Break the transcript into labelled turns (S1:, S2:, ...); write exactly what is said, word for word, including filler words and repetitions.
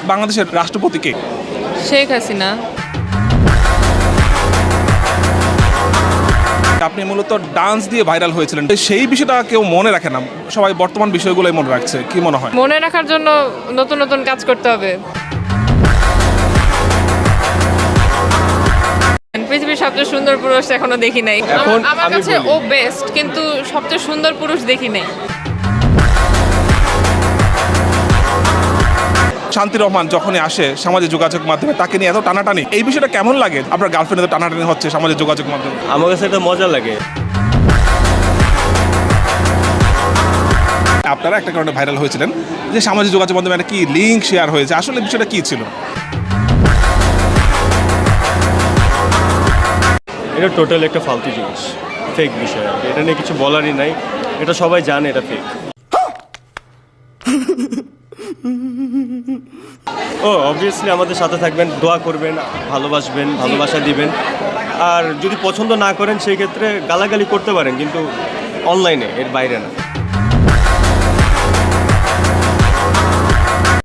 S1: বাংলাদেশের রাষ্ট্রপতি কে?
S2: শেখ হাসিনা।
S1: আপনি মূলত ডান্স দিয়ে ভাইরাল হয়েছিলেন, সেই বিষয়টা কেউ মনে রাখে না, সবাই বর্তমান বিষয়গুলোই মনে রাখছে, কি মনে হয়?
S2: মনে রাখার জন্য নতুন নতুন কাজ করতে হবে। পৃথিবীর সবচেয়ে সুন্দর পুরুষ এখনো দেখি নাই।
S3: এখন
S2: আমার- আমার
S3: আমি
S2: কাছে
S3: বলি।
S2: ও বেস্ট, কিন্তু সবচেয়ে সুন্দর পুরুষ দেখি নাই।
S1: শান্তি রহমান যখনই আসে সামাজিক যোগাযোগ মাধ্যমে, তাকে নিয়ে এত টানাটানি, এই বিষয়টা কেমন লাগে? আপনার গার্লফ্রেন্ড এত টানাটানি হচ্ছে সামাজিক যোগাযোগ মাধ্যমে।
S3: আমার কাছে এটা মজা লাগে।
S1: আপনারা একটা কারণে ভাইরাল হয়েছিলেন যে সামাজিক যোগাযোগ মাধ্যমে একটা কি লিঙ্ক শেয়ার হয়েছে, আসলে বিষয়টা কি ছিল?
S3: এটা টোটাল একটা ফালতু জিনিস, ফেক বিষয়। আর কি। এটা নিয়ে কিছু বলারই নাই, এটা সবাই জানে এটা ফেক। ও অবভিয়াসলি আমাদের সাথে থাকবেন, দোয়া করবেন, ভালোবাসবেন, ভালোবাসা দিবেন। আর যদি পছন্দ না করেন সেই ক্ষেত্রে গালাগালি করতে পারেন, কিন্তু অনলাইনে, এর বাইরে না।